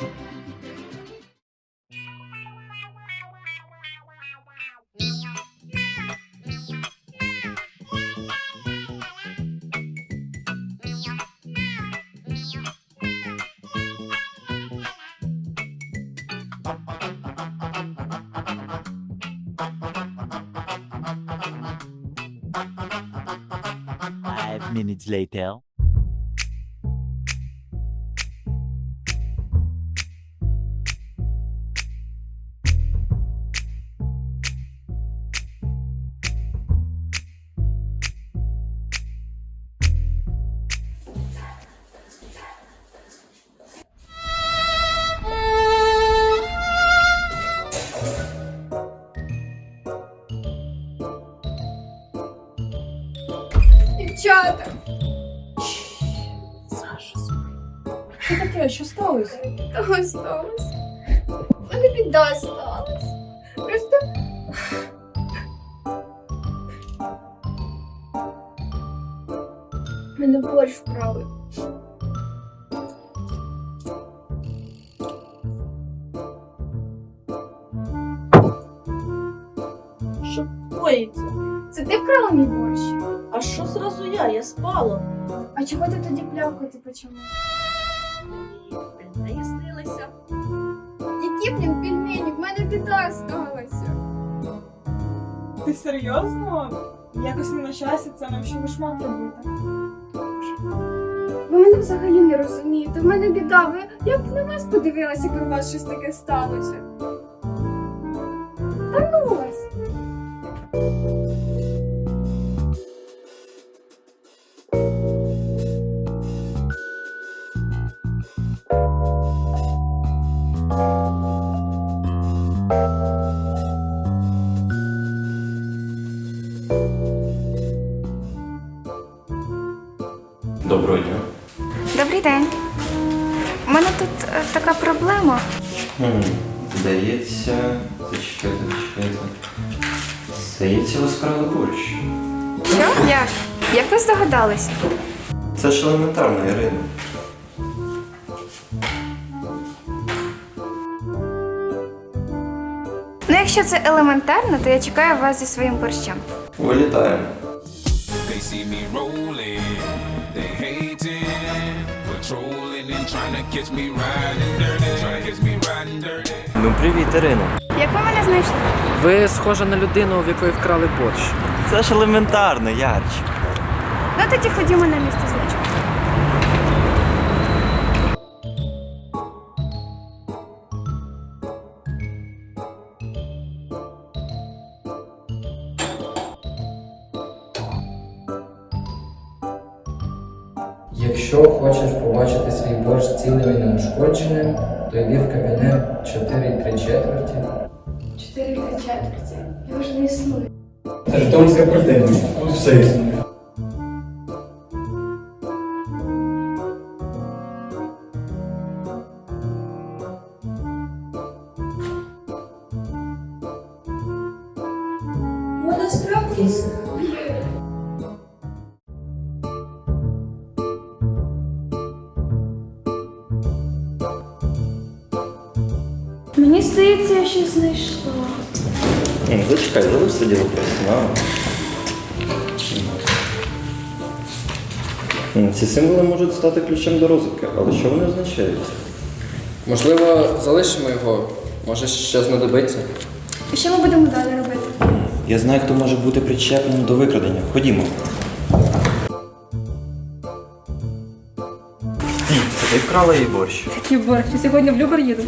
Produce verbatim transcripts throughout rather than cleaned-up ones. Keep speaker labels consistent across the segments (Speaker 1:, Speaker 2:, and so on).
Speaker 1: Five minutes later.
Speaker 2: Дівчата!
Speaker 3: Саша, що таке? Що сталося?
Speaker 2: Того сталося. У мене біда сталася. Просто... Мене борщ вкрали.
Speaker 3: Що коїться?
Speaker 2: Це ти вкрала мій борщ?
Speaker 3: А що зразу я? Я спала.
Speaker 2: А чого ти тоді плявкати почала?
Speaker 3: Мені снилися.
Speaker 2: Які, блін, пельмені? В мене біда сталася.
Speaker 4: Ти серйозно? Якось не на часі це нам ще вишмат робити.
Speaker 2: Ви мене взагалі не розумієте. В мене біда. Ви... Я б на вас подивилася, якби у вас щось таке сталося. Та ну вас!
Speaker 5: Доброго дня.
Speaker 2: Добрий день. У мене тут е, така проблема.
Speaker 5: Хм, здається, зачекайте, зачекайте. Здається, ви скрали борщ.
Speaker 2: Що? Як? Як ви здогадались?
Speaker 5: Це ж елементарно, Ірина.
Speaker 2: Ну, якщо це елементарно, то я чекаю вас зі своїм борщем.
Speaker 5: Вилітаємо.
Speaker 6: They see me rolling, they hating, patrolling and trying to catch me riding dirty, trying to catch me riding dirty.
Speaker 7: Ну привіт, Ірино.
Speaker 2: Як ви мене знайшли?
Speaker 7: Ви схожа на людину, в якої вкрали борщ.
Speaker 1: Це ж елементарно, Ярчик.
Speaker 2: Ну тоді ходімо на місце злочину.
Speaker 8: Якщо хочеш побачити свій борщ цілим і неушкодженим, то йди в кабінет чотири три четверті.
Speaker 2: Чотири три четверті. Його ж не існує.
Speaker 8: Та ж дом квартирний, тут все існує.
Speaker 2: Вона справді існує. Мені здається, я щось знайшла.
Speaker 5: Ні, зачекай, залишся діло професіонально. Ці символи можуть стати ключем до розвитку, але що вони означають?
Speaker 8: Можливо, залишимо його, може ще знадобиться.
Speaker 2: І що ми будемо далі робити?
Speaker 5: Я знаю, хто може бути причепленим до викрадення. Ходімо.
Speaker 7: Стій, це ти вкрала її борщ.
Speaker 3: Який борщ? Я сьогодні в Любар їду.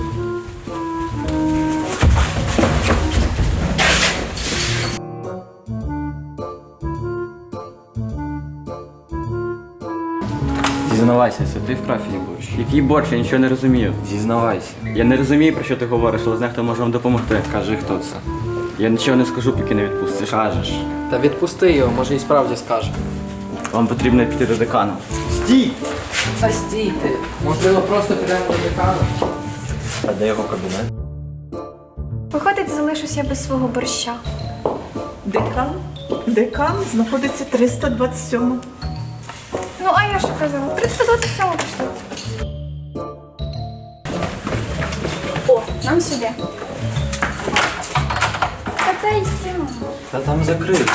Speaker 7: Зізнавайся, це ти вкрав її борщ.
Speaker 9: Який борщ? Я нічого не розумію.
Speaker 7: Зізнавайся.
Speaker 9: Я не розумію, про що ти говориш, але знаю, хто може вам допомогти.
Speaker 7: Кажи, хто це.
Speaker 9: Я нічого не скажу, поки не відпустиш.
Speaker 7: Кажеш.
Speaker 8: Та відпусти його, може і справді скаже.
Speaker 9: Вам потрібно піти до декану.
Speaker 7: Стій!
Speaker 8: Та стійте, можливо, просто підемо до декану.
Speaker 7: А де його кабінет?
Speaker 2: Виходить, залишусь я без свого борща.
Speaker 4: Декан? Декан знаходиться триста двадцять сьома.
Speaker 2: Ну, а я що казала? триста двадцять сьома пішла. нам сюди. Та та йдемо.
Speaker 7: Та там закрито.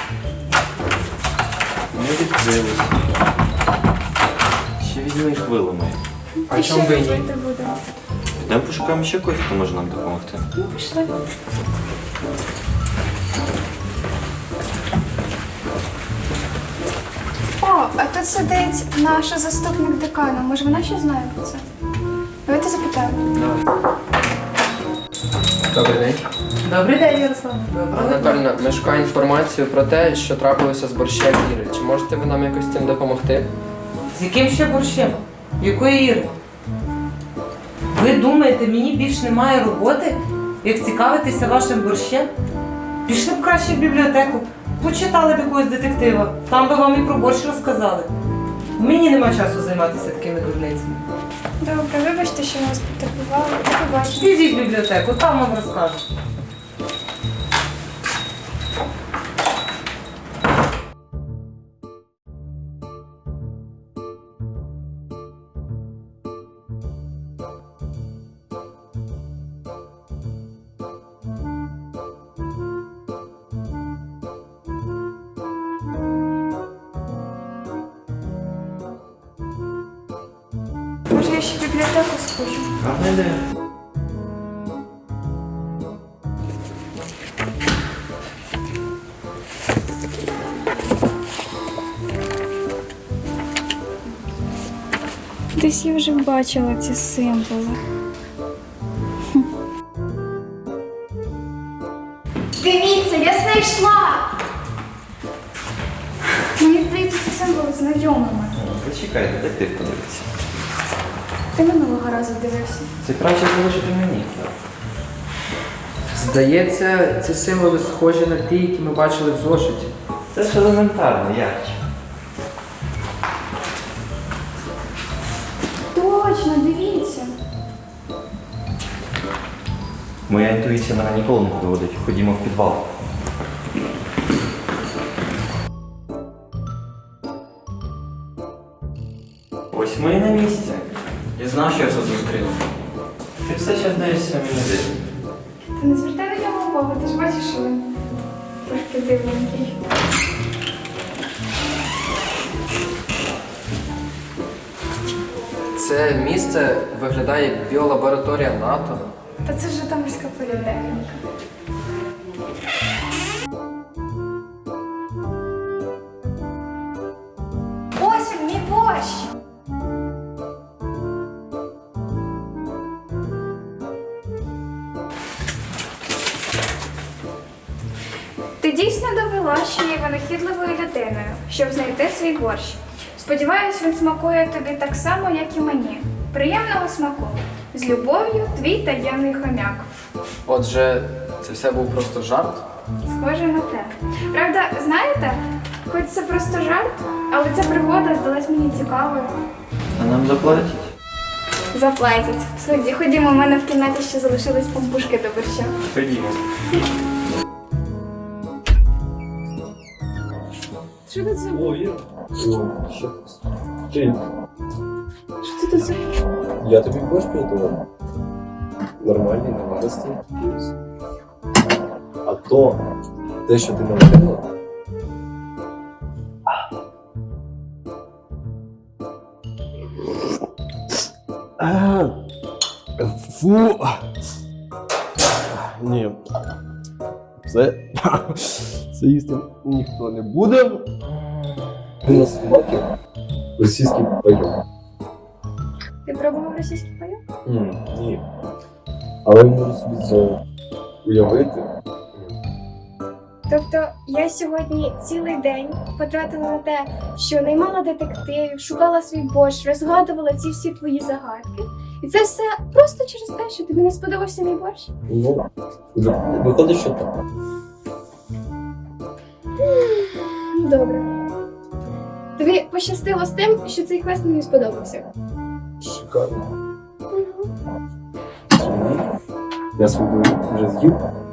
Speaker 7: Не відкрилось. Ще візьми їх виламай.
Speaker 8: А чому би і ні?
Speaker 2: робити будемо?
Speaker 7: Підемо пошукаємо ще когось, хто може нам допомогти.
Speaker 2: Ну, пішли. О, а тут сидить наша заступник декана. Може, вона ще знає про це? Давайте запитаємо.
Speaker 8: Добрий день.
Speaker 3: Добрий день, Ярослав.
Speaker 8: Анатольна, ми шукаємо інформацію про те, що трапилося з борщем Іри. Чи можете ви нам якось з цим допомогти?
Speaker 10: З яким ще борщем? Якої Іри? Ви думаєте, мені більш немає роботи, як цікавитися вашим борщем? Пішли б краще в бібліотеку, почитали б якогось детектива, там би вам і про борщ розказали. Мені нема часу займатися такими дурницями.
Speaker 2: Добре, вибачте, що ми вас потребували. До побачення.
Speaker 10: Підіть в бібліотеку, там вам розкажуть.
Speaker 2: Може, я ще в бібліотеку схожу?
Speaker 7: Гарна ідея.
Speaker 2: Десь я вже бачила ці символи. Дивіться, я знайшла! Мені здається, ці символи знайомими.
Speaker 7: Зачекай, детектив подивиться.
Speaker 2: Ти минулого разу дивився.
Speaker 7: Це краще залишити мені.
Speaker 8: Здається, ці символи схожі на ті, які ми бачили в зошиті.
Speaker 7: Це ж елементарно, Ярчик.
Speaker 2: Точно, дивіться.
Speaker 7: Моя інтуїція мене ніколи не підводить. Ходімо в підвал. Ось ми і на місці.
Speaker 9: Я знав, що я це зустріну.
Speaker 7: Ти все ще здаєшся мені дивним.
Speaker 2: Ти не звертай на нього увагу, ти ж бачиш, що він трошки дивненький.
Speaker 8: Це місце виглядає як біолабораторія НАТО.
Speaker 2: Та це ж Житомирська політехніка. Ось він, мій борщ! Ти дійсно довела, що є винахідливою людиною, щоб знайти свій борщ. Сподіваюсь, він смакує тобі так само, як і мені. Приємного смаку. З любов'ю, твій таємний хомяк.
Speaker 8: Отже, це все був просто жарт?
Speaker 2: Схоже на те. Правда, знаєте, хоч це просто жарт, але ця пригода здалась мені цікавою.
Speaker 7: А нам заплатять?
Speaker 2: Заплатять. Сході, ходімо, у мене в кімнаті ще залишились пампушки до борща.
Speaker 7: Ходімо.
Speaker 2: Що тут за...
Speaker 5: О, Іра. О, що ти?
Speaker 2: Що це тут за...
Speaker 5: Я тобі борщ приготував. Нормальний, наваристий. А то, те, що ти наварила,
Speaker 11: Фу. Ні. Це, це їсти ніхто не буде.
Speaker 5: ти на смаки російський пайок.
Speaker 2: Ти пробував російський пайок?
Speaker 5: М, Ні. Але можу собі це уявити.
Speaker 2: Тобто я сьогодні цілий день потратила на те, що наймала детективів, шукала свій борщ, розгадувала ці всі твої загадки. І це все просто через те, що тобі не сподобався мій борщ?
Speaker 5: Ну, вже виходить, що так.
Speaker 2: Добре. Тобі пощастило з тим, що цей квест мені сподобався.
Speaker 5: Шикарно. Я свою вже з'їв.